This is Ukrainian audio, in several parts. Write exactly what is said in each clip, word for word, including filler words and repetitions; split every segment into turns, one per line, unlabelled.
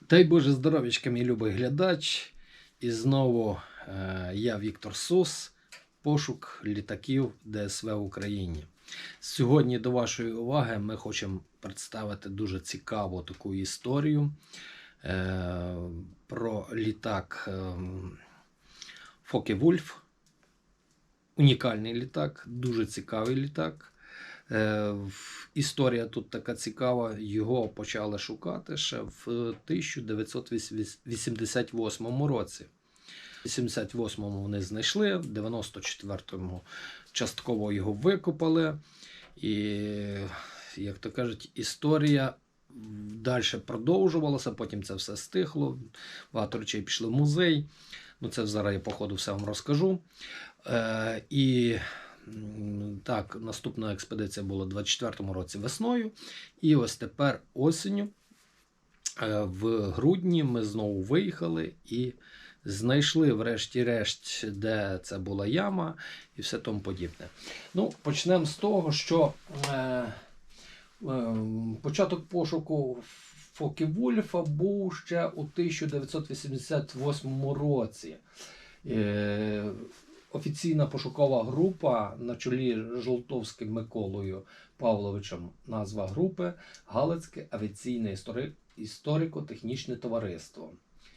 Дай Боже здоров'ячка, мій любий глядач. І знову е, я Віктор Сус, пошук літаків Д С В в Україні. Сьогодні до вашої уваги ми хочемо представити дуже цікаву таку історію е, про літак е, Фоке-Вульф. Унікальний літак, дуже цікавий літак. Е, історія тут така цікава, його почали шукати ще в тисяча дев'ятсот вісімдесят восьмому році. В вісімдесят восьмому вони знайшли, в дев'яносто четвертому частково його викопали. І, як то кажуть, історія далі продовжувалася, потім це все стихло, багато речей пішли в музей. Ну, це зараз я по ходу все вам розкажу. Е, і так, наступна експедиція була у двадцять четвертому році весною. І ось тепер осінню, в грудні, ми знову виїхали і знайшли врешті-решт, де це була яма і все тому подібне. Ну, почнемо з того, що е, е, початок пошуку Фоке-Вульфа був ще у тисяча дев'ятсот вісімдесят восьмому році. Е, Офіційна пошукова група на чолі з Жолтовським Миколою Павловичем, назва групи Галицьке авіаційне історико-технічне товариство.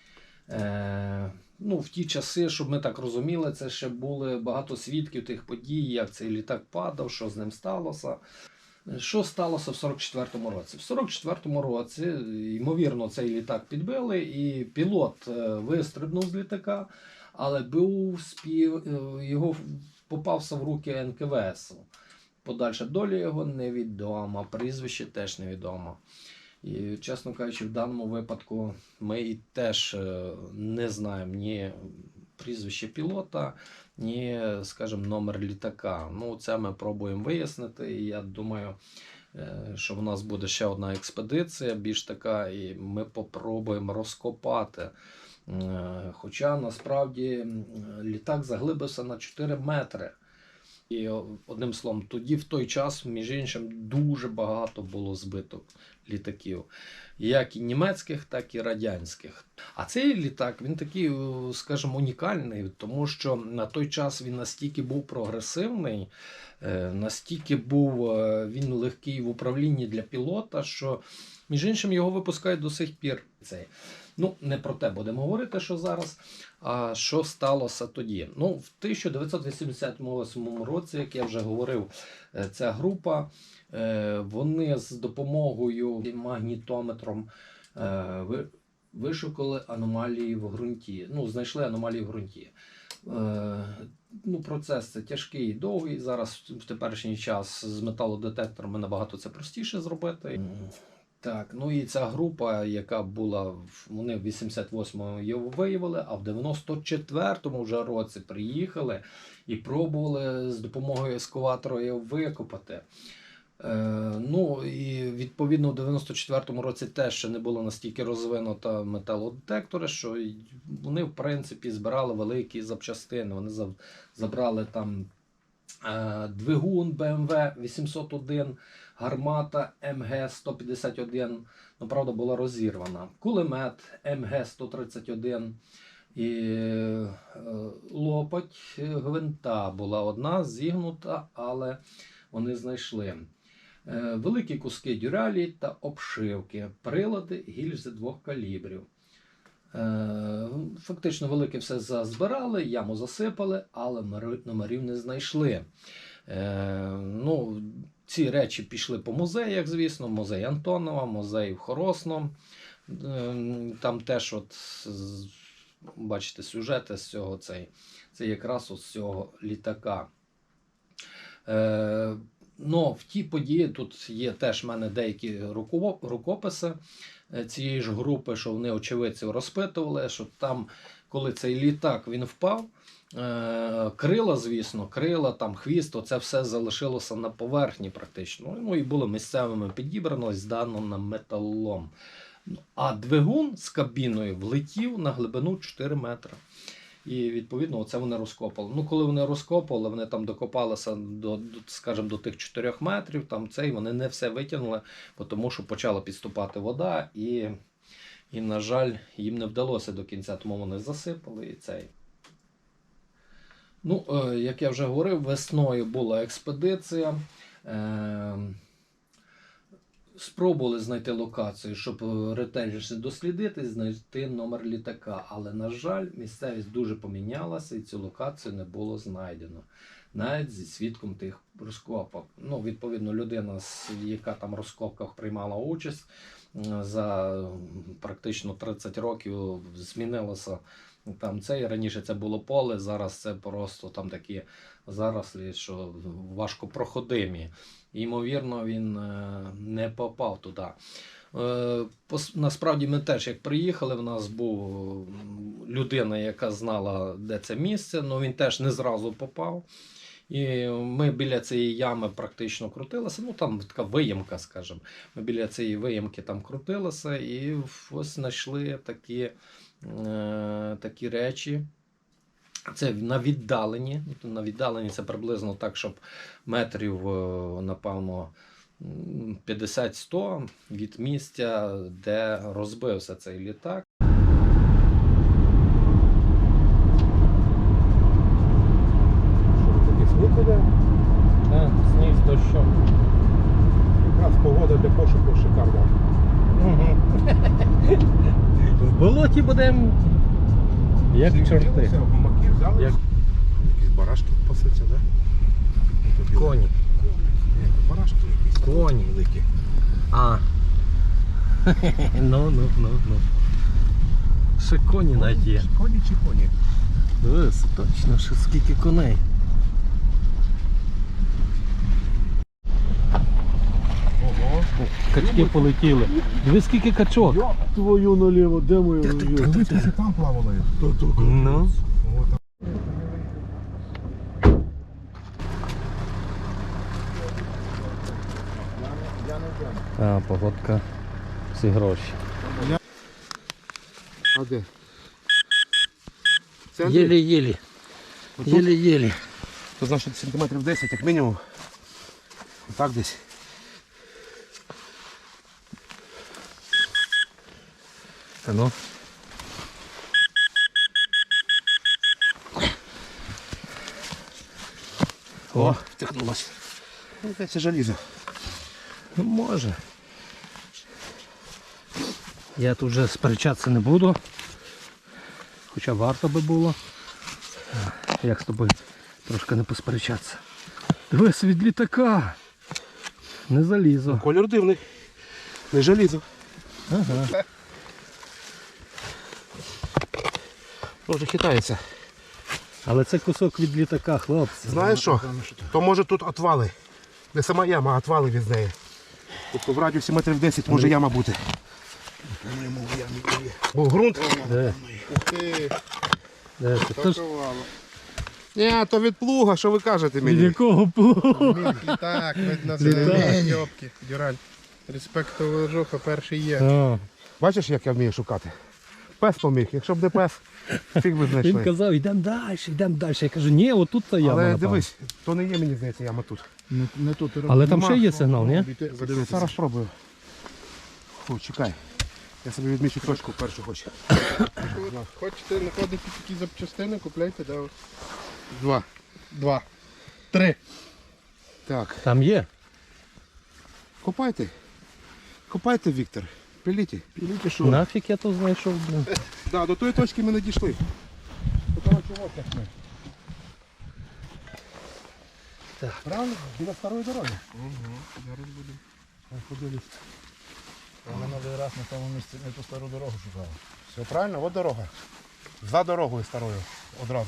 Е, ну, в ті часи, щоб ми так розуміли, це ще були багато свідків тих подій, як цей літак падав, що з ним сталося. Що сталося в сорок четвертому році? В сорок четвертому році, ймовірно, цей літак підбили, і пілот вистрибнув з літака, але був спів... його попався в руки Ен Ке Ве Ес. Подальша доля його невідома, прізвище теж невідомо. І, чесно кажучи, в даному випадку ми і теж не знаємо ні прізвище пілота, ні, скажімо, номер літака. Ну, це ми пробуємо вияснити, і я думаю, що в нас буде ще одна експедиція, більш така, і ми попробуємо розкопати. Хоча, насправді, літак заглибився на чотири метри. І, одним словом, тоді, в той час, між іншим, дуже багато було збито літаків. Як і німецьких, так і радянських. А цей літак, він такий, скажімо, унікальний, тому що на той час він настільки був прогресивний, настільки був він легкий в управлінні для пілота, що, між іншим, його випускають до сих пір. Цей. Ну, не про те будемо говорити, що зараз, а що сталося тоді. Ну, в тисяча дев'ятсот вісімдесят восьмому році, як я вже говорив, ця група, вони з допомогою магнітометром вишукали аномалії в ґрунті. Ну, знайшли аномалії в ґрунті. Ну, процес це тяжкий і довгий. Зараз в теперішній час з металодетекторами набагато це простіше зробити. Так, ну і ця група, яка була, вони в вісімдесят восьмому його виявили, а в дев'яносто четвертому вже році приїхали і пробували з допомогою ескаватора його викопати. Е, ну і відповідно в дев'яносто четвертому році теж ще не було настільки розвинуто металодетектори, що вони в принципі збирали великі запчастини. Вони забрали там двигун Бе Ем Ве вісімсот один, гармата Ем Ге сто п'ятдесят один, ну, правда, була розірвана, кулемет Ем Ге сто тридцять один і лопать гвинта була одна зігнута, але вони знайшли. Великі куски дюралі та обшивки, прилади, гільзи двох калібрів. Фактично велике все зазбирали, яму засипали, але номерів не знайшли. Ну, ці речі пішли по музеях, звісно, музей Антонова, музей в Хоросно. Там теж, от, бачите, сюжети з цього, цей, це якраз з цього літака. Ну, в ті події, тут є теж в мене деякі рукописи цієї ж групи, що вони очевидців розпитували, що там, коли цей літак він впав, крила, звісно, крила, там хвіст, оце все залишилося на поверхні практично. Ну і було місцевими підібрано, здано на металолом. А двигун з кабіною влетів на глибину чотири метри. І, відповідно, оце вони розкопали. Ну, коли вони розкопали, вони там докопалися до, скажімо, до тих чотирьох метрів, там цей, вони не все витягнули, тому що почала підступати вода, і І, на жаль, їм не вдалося до кінця, тому вони засипали і цей. Ну, е, як я вже говорив, весною була експедиція. Е, спробували знайти локацію, щоб ретельніше дослідити, знайти номер літака. Але, на жаль, місцевість дуже помінялася і цю локацію не було знайдено. Навіть зі свідком тих розкопок. Ну, відповідно, людина, яка там в розкопках приймала участь, за практично тридцять років змінилося там це. І раніше це було поле, зараз це просто там такі зарослі, що важко проходимі. І, ймовірно, він не попав туди. Насправді ми теж, як приїхали, в нас був людина, яка знала, де це місце, але він теж не зразу попав. І ми біля цієї ями практично крутилися, ну там така виємка, скажімо. Ми біля цієї виємки там крутилися і ось знайшли такі, е, такі речі. Це на віддаленні. На віддаленні це приблизно так, щоб метрів, напевно, п'ятдесят-сто від місця, де розбився цей літак. Так, сніг з дощом.
Якраз погода для пошуку шикарна.
Угу. В болоті будемо як чорти.
Гумаки взяли.
Як...
Якісь барашки пасуться, так? Да?
Коні.
Ні, барашки якісь.
Коні.
Великі.
А. Ну, ну, ну, ну. Ще коні навіть є.
Коні чи коні?
Дивись, точно, що скільки коней.
Ого.
Качки полетіли. Дивись, скільки качок.
Йоп твою наліво, де моя? Ти там плавали?
Ну. А, погодка. Всі гроші.
А де?
Єлі-єлі. Єлі-єлі.
Це значить сантиметрів десять, як мінімум. Отак десь.
А ну.
О, втягнулося. Ну, це желізо.
Ну, може. Я тут вже сперечатися не буду. Хоча варто би було. Як з тобою трошки не посперечатися. Дивись, від літака. Не залізо.
Колір дивний. Не желізо.
Ага.
Може хитається.
Але це кусок від літака, хлопці.
Знаєш що? То може тут отвали. Не сама яма, а отвали від неї. Тобто в радіусі метрів десять може яма бути. Бо ґрунт.
Де? Де це? То ж
Ні, то від плуга, що ви кажете
від
мені?
якого плугу?
Так, видно,
Літак.
це Йобки, Дюраль. Респектова жуха перший є.
А,
Бачиш, як я вмію шукати? Пес поміг. Якщо б не пес, фіг би
він
знайшли.
казав, йдемо далі, йдемо далі. Я кажу, ні, отут та яма.
Але
напевно.
дивись, то не є, мені здається, яма тут.
Не, не тут.
Але там
Нема.
ще є сигнал, ні?
Зараз спробую. Фу, чекай. Я собі відмічу точку першу хочу.
Хочете знаходити такі запчастини, купляйте, да.
Два.
Два. Три.
Так.
Там є.
Копайте. Копайте, Віктор. Пиліть. Пиліть, що?
Нафіг я то знайшов, блин.
Да, до тої точки ми не дійшли. До того чого ми.
Так.
Правильно? Біля старої дороги.
Угу. Зараз будемо.
Ходили.
Ми новий раз на тому місці не ту стару дорогу шукали.
Все правильно, от дорога. За дорогою старою одразу.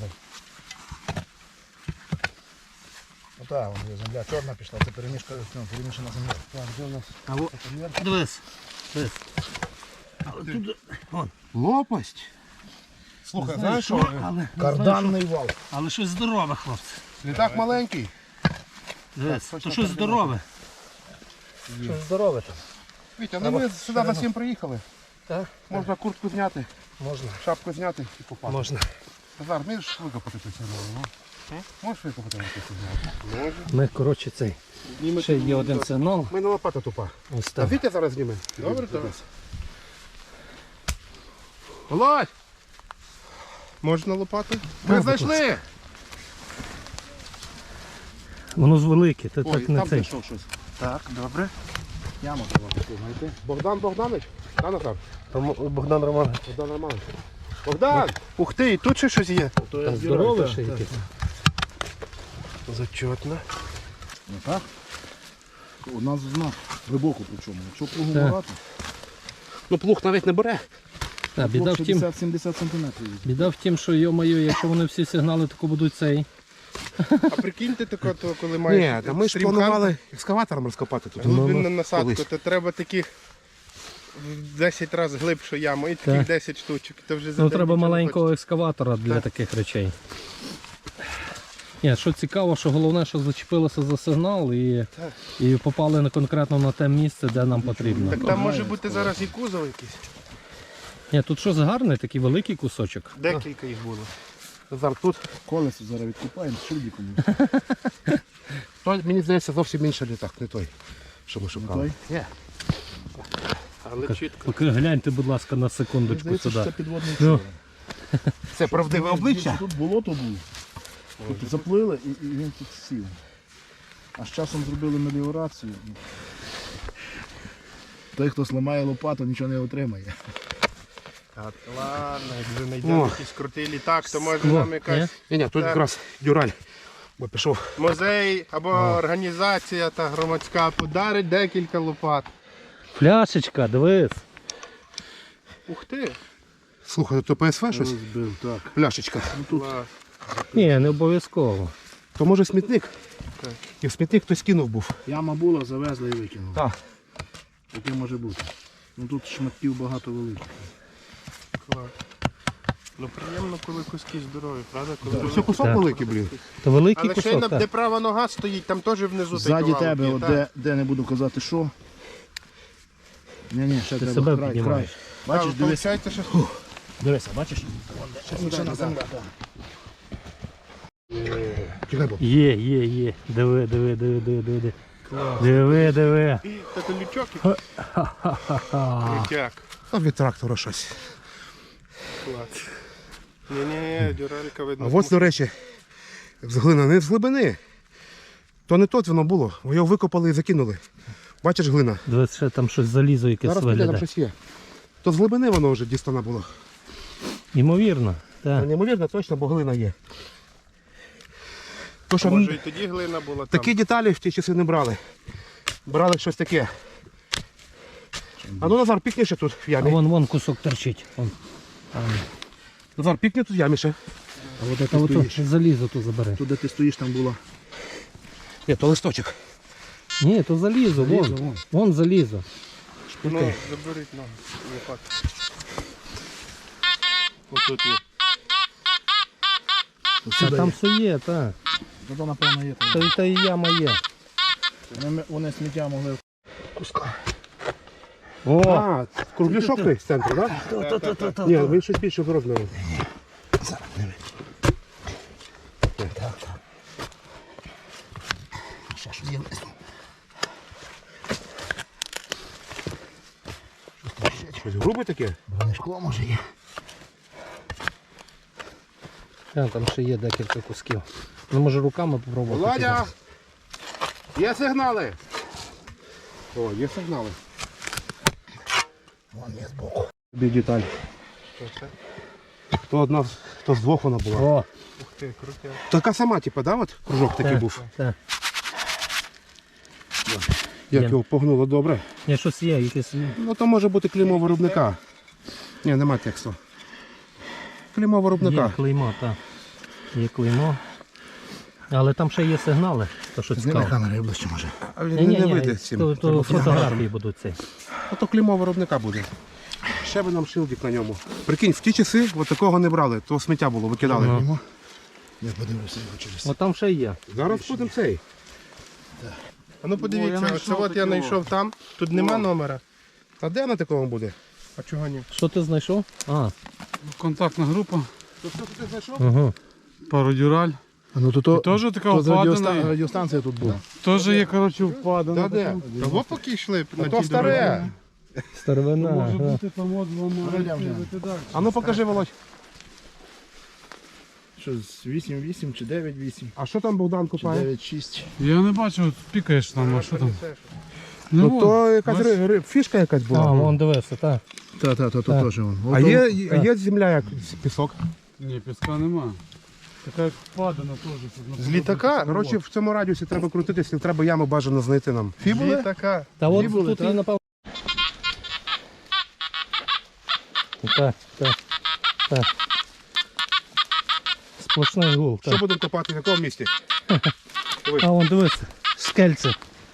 Ну так, вон є земля чорна пішла, це перемішка, ну, перемішана земля.
Так, де у нас?
А во, дивись. Дивись. Але тут, вон,
Лопасть. Слухай,
не
знаєш
знаю,
що?
що, але, не знаю,
Карданний вал.
що, але щось здорове, хлопці.
Літак маленький.
Дивись,
точно
то щось
координати.
здорове. Щось здорове там.
Вітя, ну ми сюди за всім приїхали.
Так?
Можна куртку зняти,
Можна.
шапку зняти і попати.
Можна.
Назар, вмієш викопати цю сигнал? Ну? Можеш викопати цю сигнал? Можу.
Ми, коротше, цей. Ще є один сигнал.
У мене лопата тупа.
Ось
А
так.
Вітя зараз зніме.
Добре, так.
Володь!
Можна лопату?
Ми знайшли!
Воно ж велике, ти
Ой,
так не
там
цей.
знайшов щось.
Так, добре. Яму треба таку знайти.
Богдан Богданович? Да, Назар?
Богдан Романович.
Богдан Романович. Богдан! Ух ти, і тут ще щось є.
Здоровий ще якийсь.
Зачетно.
Ну так. У нас знак глибоко причому. Якщо плугу
Так.
багато,
Ну плуг навіть не бере.
Так, біда в тім,
шістдесят-сімдесят сантиметрів.
біда в тім, що йо-моє, якщо вони всі сигнали тако будуть цей.
А прикиньте тако, то коли маєш
Ні, та ми ж
стрімхан,
планували екскаватором розкопати тут.
Ну,
глибинну
ну,
насадку,
колись.
то треба таких в десять разів глибшу яму і таких
Так.
десять штучок. То вже за
Ну
день
треба
нічого не
маленького
хочеться.
екскаватора для таких речей. Ні, що цікаво, що головне, що зачепилося за сигнал і,
Так.
і попали на конкретно на те місце, де нам потрібно.
Так там може бути зараз і кузов якийсь.
Ні, тут щось гарний, такий великий кусочок.
Декілька їх було.
Назар, тут,
Колесо зараз відкупаємо, шильдиком.
той, мені здається, зовсім інший літак, не той, що ми шукали.
той?
Ні.
Але чітко.
Поки гляньте, будь ласка, на секундочку
Здається, що це
сюди.
підводний
Ну.
човен.
Це правдиве обличчя.
Тут болото було. Тут заплили і, і він тут сів. А з часом зробили меліорацію. Той, хто сламає лопату, нічого не отримає.
От, ладно, якби знайдемо
О.
якийсь крутий літак, то може
Скло,
нам якась
Ні, ні, тут
Так.
якраз дюраль. Бо пішов.
музей або організація та громадська подарить декілька лопат.
Пляшечка, дивись.
Ух ти!
Слухай, то П С В щось?
Розбив, так.
Пляшечка.
Клас.
Ні, не обов'язково.
То може смітник?
Так.
І в смітник хтось кинув був.
Яма була, завезли і викинули.
Так.
Таке може бути. Ну тут шматків багато великих.
Клас. Ну приємно, коли куски здорові, правда? Коли
Все кусок
Так.
великий, блін.
То великий
Але ще й
кусок,
на,
так.
де права нога стоїть, там теж внизу
Ззаді
той
тебе,
кавалок
от
є,
де, де не буду казати що. Ні-ні, ще
Ти
треба
себе
край,
піднімаєш.
край.
так.
Бачиш,
А,
дивися,
виходить, що
дивися, бачиш? Ще на земля, так.
Чекай, бо.
Є, є, є. Диви, диви, диви, диви, диви. Диви, диви.
Та то лючок і
Ха-ха-ха.
лютяк.
А від трактора щось.
Клас. Ні-ні, дюралька
А
видно.
от, до речі, з глина, не з глибини. То не тут воно було, його викопали і закинули. Бачиш глина?
Дивись, ще там щось залізо якесь
Зараз піде, там
виглядає.
щось є. То з глибини воно вже дістане було.
Ймовірно,
Та
так.
неймовірно, точно, бо глина є. То, що
Може і тоді глина була там.
такі деталі в ті часи не брали. Брали щось таке. А ну, Назар, пікни ще тут в
А
ямі.
вон, вон кусок торчить. Вон.
Назар, пікни тут в ямі ще.
А от де
А
ти
ото
стоїш?
залізо тут забере.
Тут, де ти стоїш, там була.
Ні, то листочок.
Ні, то залізо,
Залізо,
вон.
вон.
Вон залізо.
Ну, заберіть ногу. Лопату. Отут є.
Та там все є, так.
Зато, напевно, є там.
Та, й- та і яма є.
Вони, вони сміття могли.
О!
А, кругляшок той з центру, так? Ні, він щось більше розміру.
Ще щось є.
Щось грубе таке?
Броне шкло може є.
Та, там ще є декілька кусків. Ну, може руками попробувати.
Володя! Є сигнали! О, є сигнали.
Вон є збоку.
Тобі деталь.
Що це?
То одна, то з двох вона була.
О,
Ух ти, крутяк.
Така сама, типу, да, от кружок такий
так,
був.
так.
Як
Є.
його погнуло добре.
Ні, щось є, якесь.
Ну то може бути клеймо виробника. Ні, нема тексту. Клеймо
Є
виробника.
клеймо, так. Є клеймо. Але там ще є сигнали, то що
Зніми
цікаво.
камери ближче може.
А він
Ні, ні,
не
ні,
вийде з цим.
то, то фотографії будуть ці.
А то клеймо виробника буде. Ще би нам шилдик на ньому. Прикинь, в ті часи от такого не брали, то сміття було, викидали.
Ну.
Я подивлюся його через.
От там ще є.
Зараз будемо цей.
А ну подивіться, оце от я знайшов там, тут нема номера.
А де на такому буде?
А чого ні?
Що ти знайшов? А,
Контактна група,
То що ти знайшов?
угу.
пародюраль.
А ну то то,
Теж така
то з радіоста-
впадена.
радіостанція тут була.
Теж є, коротше, впадена.
Та де?
Того поки йшли на
А
тій
то старе.
дорозі.
Старовина.
Може
ага.
бути там от воно
Глянь, глянь.
відкрити далі.
А ну покажи, Володь.
Що, з вісім вісім чи дев'ять вісім?
А що там Богдан
Чи
купає?
дев'ять шість?
Я не бачу, от пікаєш там, а що там?
Ну
от,
то якась
бач,
ри- ри- фішка якась
А,
була.
вон дивився, так.
Так, так, тут
Так.
теж вон.
А є, а є земля як пісок.
Ні, піска нема. Така як впадина теж. щоб на
З літака, коротше, в цьому радіусі треба крутитися, треба яму бажано знайти нам. Фібули?
Така.
Та от
були,
тут
так?
і напевно. Так, так, так. Сплошний гул.
Що
Так.
будемо копати, в якому місці?
А вон дивися, скельце.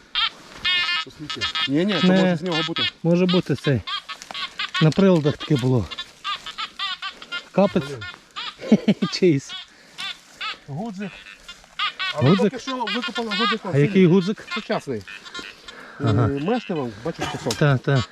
Ні, ні, то
Не.
може з нього бути.
Може бути цей. На приладах таке було. Капець. Чийсь.
Гудзик. Але
Гудзик?
поки що викопали гудзик.
А який гудзик?
Сучасний.
Ага.
Е, Мештивом, бачиш пісок.
Так, так.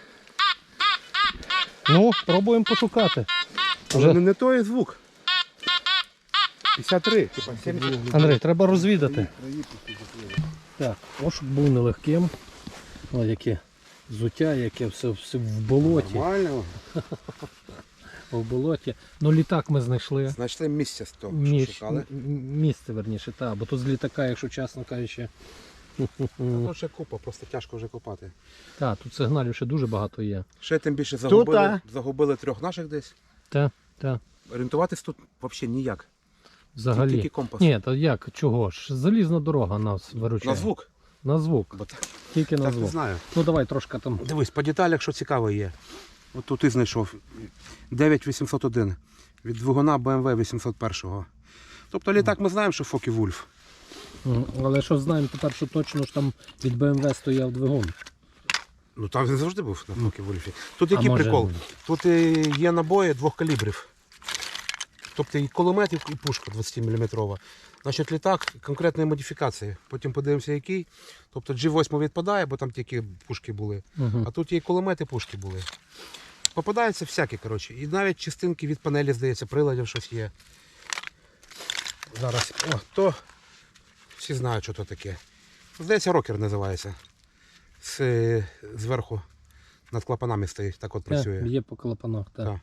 Ну, пробуємо пошукати.
Але
Вже.
не, не той звук. п'ятдесят три, типа сімдесят.
Андрій, треба розвідати. Так, пошук був нелегким. О, яке взуття, яке все, все в болоті.
Нормально.
В болоті. Ну літак ми знайшли.
Знайшли місце з того,
Між,
що шукали.
м- місце, верніше, так. Бо тут з літака, якщо чесно кажучи.
Тут ще купа, просто тяжко вже копати.
Так, тут сигналів ще дуже багато є.
Ще тим більше загубили,
а?
загубили трьох наших десь.
Так, так.
Орієнтуватись тут взагалі ніяк.
Взагалі.
Тільки компас.
Ні, то як, чого ж? Залізна дорога нас виручає.
На звук.
На звук.
Бо так,
Тільки на
так не
звук.
знаю.
Ну давай трошки там.
Дивись, по деталях, що цікаве є. От тут і знайшов дев'ять вісімсот один від двигуна бе ем ве вісімсот один. Тобто літак ми знаємо, що Фокі Вульф.
М, Але що знаємо тепер, що точно ж там від Б М В стояв двигун.
Ну там він завжди був на Фокі Вульфі. Тут
А
який
може-
прикол? Тут е, є набої двох калібрів. Тобто і кулемет, і пушка двадцятиміліметрова. Значить, літак конкретної модифікації. Потім подивимося, який. Тобто джі вісім відпадає, бо там тільки пушки були.
Угу.
А тут є і кулемети, пушки були. Попадаються всякі, коротше. І навіть частинки від панелі, здається, приладів щось є. Зараз. О, то всі знають, що то таке. Здається, рокер називається. З, зверху над клапанами стоїть, так от працює.
Є по клапанах, так.
Так.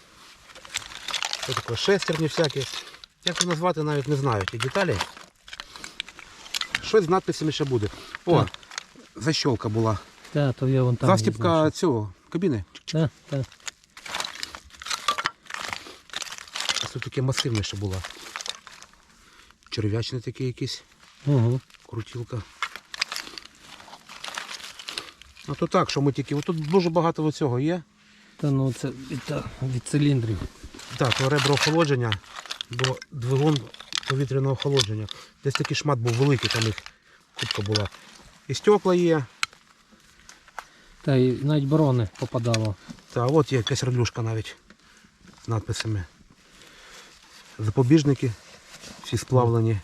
Що таке? Шестерні всякі. Як це назвати, навіть не знаю ті деталі. Щось з надписями ще буде. О,
Так.
защолка була.
Так, то є вон там.
Застіпка цього кабіни.
Так, так.
Ось тут таке масивне ще було. Черв'ячне таке якесь.
Угу.
Крутілка. Ну то так, що ми тільки. Ось тут дуже багато цього є.
Та ну це від, та, від циліндрів.
Так, то ребро охолодження, бо двигун повітряного охолодження. Десь такий шмат був великий, там їх кубка була. І стекла є.
Та і навіть борони попадало.
Та от є якась радюшка навіть з надписами. Запобіжники всі сплавлені.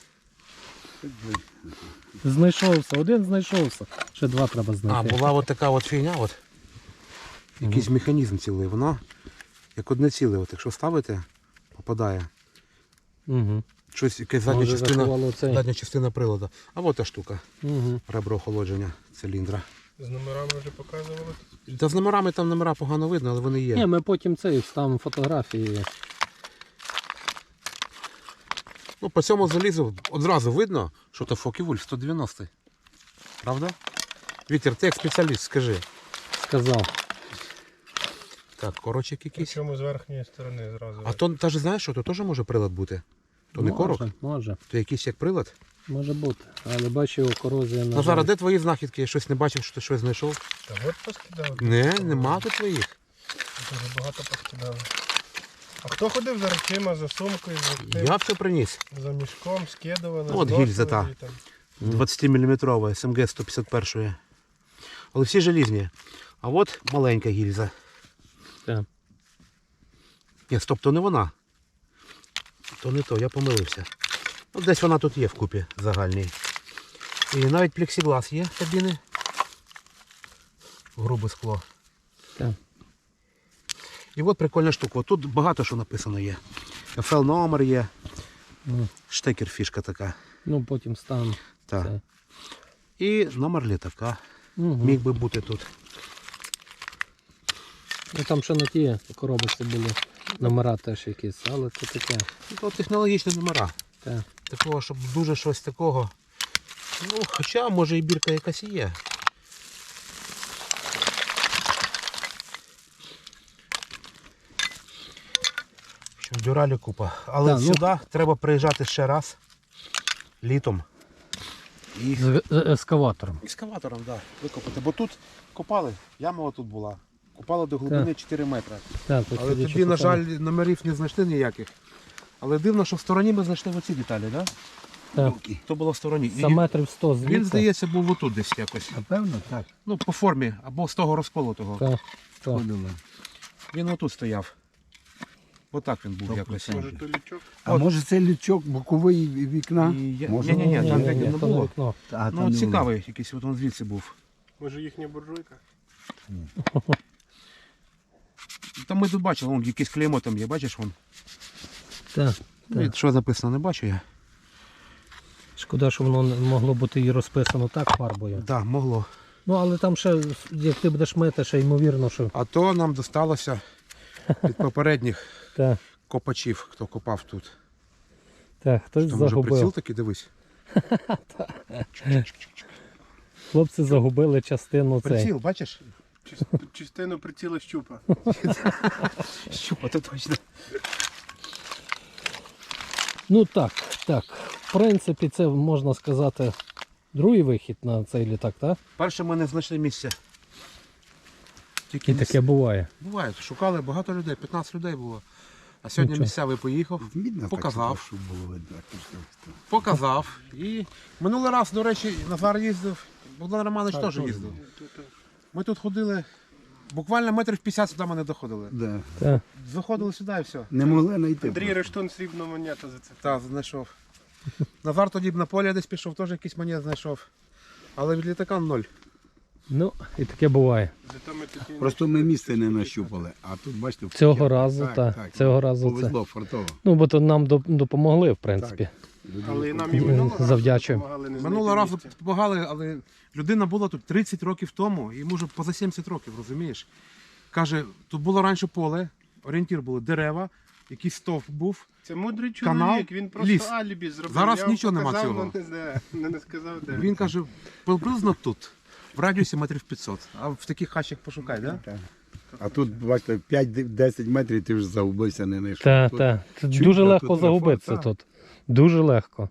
Знайшовся, один знайшовся. Ще два треба
А,
знайти.
була от така от фігня, от. Якийсь механізм цілий. Воно як одне ціле, от, якщо ставити, попадає.
Угу.
Щось, якась задня
Може
частина,
заховало цей.
задня частина приладу. А от та штука.
Угу.
Ребро охолодження циліндра.
З номерами вже показували.
Та з номерами там номера погано видно, але вони є.
Ні, ми потім цей вставимо фотографії.
Ну, по цьому залізу одразу видно, що то Фокі Вульф сто дев'яносто. Правда? Віктор, ти як спеціаліст, скажи.
Сказав.
Так, корочок якийсь.
Причому з верхньої сторони зразу.
А то теж знаєш, що то теж може прилад бути. То не корок,
Може, може.
то якийсь як прилад.
Може бути. Але бачу, його корозія на
Назара,
жаль.
де твої знахідки? Я щось не бачив, що ти щось знайшов.
Та от поскидали.
Не, нема тут твоїх.
Дуже багато поскидали. А хто ходив за речима, за сумкою, за, тим,
Я все приніс.
за мішком, скидували,
От
зносили
гільза та.
і там.
двадцятиміліметрова ес ем ге сто п'ятдесят один. Але всі желізні. А от маленька гільза.
Так.
Ні, стоп, то не вона. То не то, я помилився. Ну, десь вона тут є вкупі загальній. І навіть плексіглас є кабіни. Грубе скло.
Так.
І от прикольна штука. От тут багато що написано є. еф ел номер є.
Ну,
Штекер фішка така.
ну потім стану.
Так.
Це.
І номер літака.
Угу.
Міг би бути тут.
Ну там ще на ті коробочці були номера теж якісь, але це таке.
Ну, то технологічні номера.
Так.
Такого, щоб дуже щось такого. Ну, хоча, може і бірка якась і є. В общем, дюралі купа. Але
Так, ну-
сюди треба приїжджати ще раз літом. І
З, з ескаватором.
екскаватором, да, викопати. Бо тут копали, яма тут була. Копали до глибини чотири метри.
Так, тут
Але
тоді
тоді,
ще
на жаль,
купили.
номерів не знайшли ніяких. Але дивно, що в стороні ми знайшли оці деталі, так?
Так.
То було в стороні.
За
І
метрів сто звідси.
він, здається, був отут десь якось.
Напевно, так.
Ну, по формі, або з того розколотого.
Так, так.
Ходили.
Він отут стояв. Отак він був якось.
Може, то лічок?
А
От.
може це лючок боковий вікна?
І я-
Може?
Ні-ні-ні, там
Ні, ні,
не
ні, то не
було.
вікно.
А, там
Ну,
не
цікавий якийсь, от він звідси був.
Може їхня буржуйка?
Там ми тут бачили, вон якесь клеймо там є, бачиш вон?
Так.
Ну, і що написано, не бачу я.
Шкода, що воно не могло бути і розписано так фарбою.
Так, да, могло.
Ну, але там ще, як ти будеш мити, ще ймовірно, що.
А то нам досталося від попередніх
Так,
копачів, хто копав тут.
так, хтось
Там може приціл
загубив.
такий, дивись.
Хлопці загубили частину цей.
Приціл, бачиш?
Чис- Частину приціла щупа.
Щупа, то точно.
Ну так, так. В принципі, це можна сказати другий вихід на цей літак, так?
Перше ми не знайшли місця. Тільки
І таке буває.
буває. Шукали багато людей, п'ятнадцять людей було. А сьогодні
Нічого.
місцевий поїхав,
Видно,
показав.
так, щоб було видно. так, що це.
показав. І минулий раз, до речі, Назар їздив, Богдан Романович теж їздив. Ми тут ходили, буквально метрів п'ятдесят сюди ми не доходили.
Да.
Так.
Заходили сюди і все.
Не могли знайти.
Андрій
просто.
Рештун срібну монету за це.
Так, знайшов. Назар тоді б на полі десь пішов, теж якийсь монет знайшов. Але від літака ноль.
Ну, і таке буває.
Зато ми тут і-
Просто ми місце не нащупали, а тут бачите.
Цього
я-
разу, так, цього разу це.
Повезло, фартово.
Ну, бо то нам доп- допомогли, в принципі.
Але і нам і минулого разу
Завдячуємо.
допомагали не
Минулого
знайти
разу
місця.
допомагали, але людина була тут тридцять років тому, йому вже поза сімдесят років, розумієш? Каже, тут було раніше поле, орієнтір були дерева, якийсь стовп був.
Це мудрий чоловік,
Канал,
він просто
ліс.
алібі зробив.
Зараз
Я вам
нічого нема
показав,
цього.
но Не, знаю, не, не сказав, де.
Він каже, приблизно тут, в радіусі метрів п'ятсот. А в таких хащах пошукай, так? Да?
А тут, бачите, п'ять-десять метрів ти вже загубився, не знайшов.
Так,
Тут
так. Це
чуть,
дуже
а
легко
тут
загубитися
трафа,
тут. Дуже легко.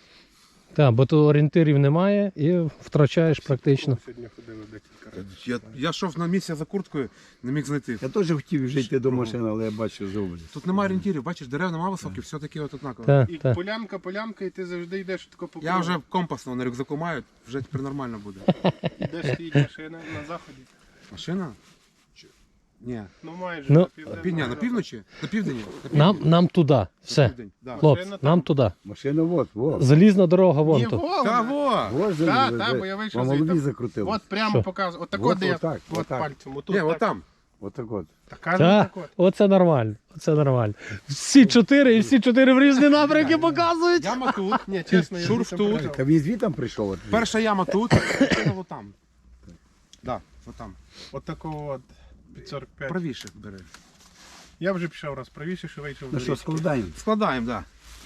Так, бо тут орієнтирів немає і втрачаєш практично.
Сьогодні ходили декілька разів.
Я, я йшов на місце за курткою, не міг знайти.
Я теж хотів вже йти до машини, але я бачу зроблю.
Тут немає орієнтирів, бачиш, дерев немає високих, все таке от однаково.
Так,
І
так.
полянка, полянка, і ти завжди йдеш тако по
Я
кругу.
вже компасно на рюкзаку маю, вже тепер нормально буде.
Де стоїть машина на заході.
Машина? Чи- Ні.
Ну майже
Ну,
на південному
Пі- ні, на
заході.
півночі? На південі? На
Нам,
півдні.
нам туди.
На
Все.
південь, да.
Хлопці,
Машина там.
нам туди.
Машина вот, вот.
Залізна дорога вон
Ні,
тут.
вон,
Та во!
Вот же,
Та,
ви-
та,
ви-
бо я вийшов
вам
звідти.
голові закрутили.
От прямо
Що?
показую. Отак
Вот
от, я,
отак,
от
отак.
пальцем. Отут,
Ні,
так.
от там.
Отак от.
Та кажу,
Так,
так от.
оце нормально. Оце нормально. Всі чотири і всі чотири в різні напрямки показують.
Яма тут.
Ні, чесно, я
Шурф
звідти
тут.
показав.
Та він звідти прийшов? От.
Перша яма тут, машина от там. Да, от там.
От такого от під сорок п'ять.
Правіше бери.
Я вже пішов раз правіше, що вийшов
Ну
до
що,
річки.
складаємо?
Складаємо, так.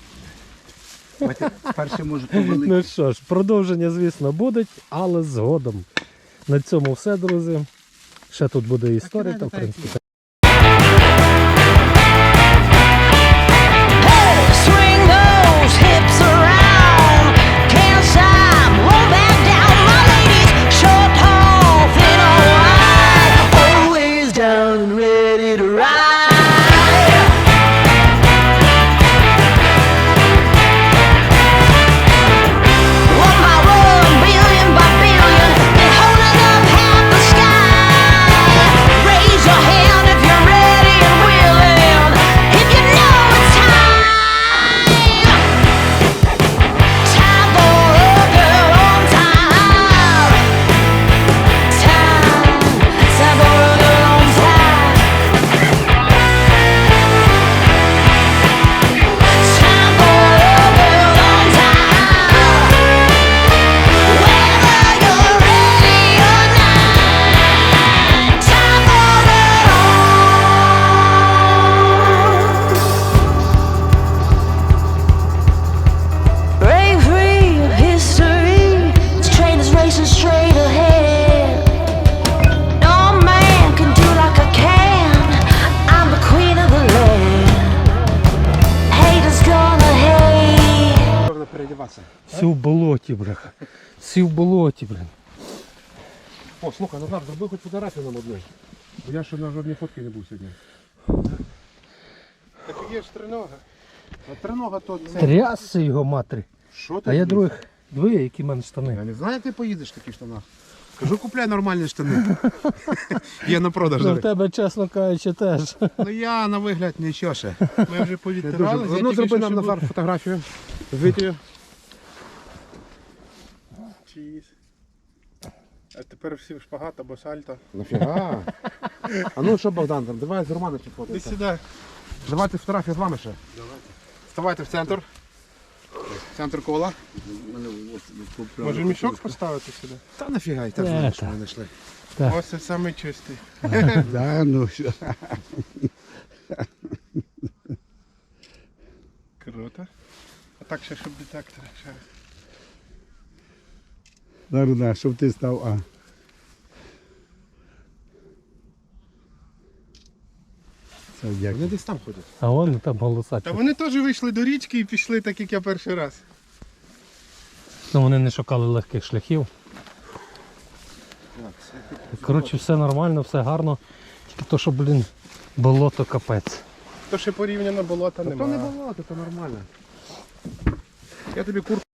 Давайте перше може повели.
Ну що ж, продовження, звісно, буде, але згодом. На цьому все, друзі. Ще тут буде історія, там, в принципі.
Swing those hips around. Can't stop, roll back down. My ladies, short, tall, thin or wide, always down and ready to ride. One by one, billion by billion, they're holding up half the sky. Raise your hand if you're ready and willing, if you know it's time. Time for a girl on time. Time, time for a girl on time.
Всі в болоті, бляха. Всі в болоті, блін.
О, слухай, Назар, зроби хоч фотографію нам одну. Бо я ще на жодній фотці не був сьогодні.
Так є ж тринога.
А тринога то це.
Трясся його матері.
Що ти?
А я
робиш?
других, двоє, які в мене штани.
Я не знаю, як ти поїдеш в таких штанах. Кажу, купляй нормальні штани. Є на продаж.
Ну, в
зараз.
тебе, чесно кажучи, теж.
Ну я на вигляд нічого ще.
Ми вже
Не
повідтирали.
дуже. Ну зроби нам Назар фотографію. З Вітєю.
А тепер всі в шпагат або сальто.
Нафіга? А ну що, Богдан, там, давай з Романом ще
Ти
фотося.
сюди.
Давайте фотографію з вами ще. Давайте. Вставайте в центр. В центр кола.
Може мішок поставити сюди?
Та нафіга, і так
Е,
знаєш, що
та.
ми знайшли.
Так.
Ось це самий чистий.
Да, ну що.
Круто. А так ще, щоб детектор. Ще раз.
Зараз, да, щоб ти став, а. Це
Вони
дякую.
десь там ходять.
А вон там голоса.
Та вони теж вийшли до річки і пішли так, як я перший раз.
Ну, вони не шукали легких шляхів. Коротше, все нормально, все гарно. Тільки то, що, блін, болото капець.
То ще порівняно болота
Та то не
немає.
болото, то нормально. Я тобі куртку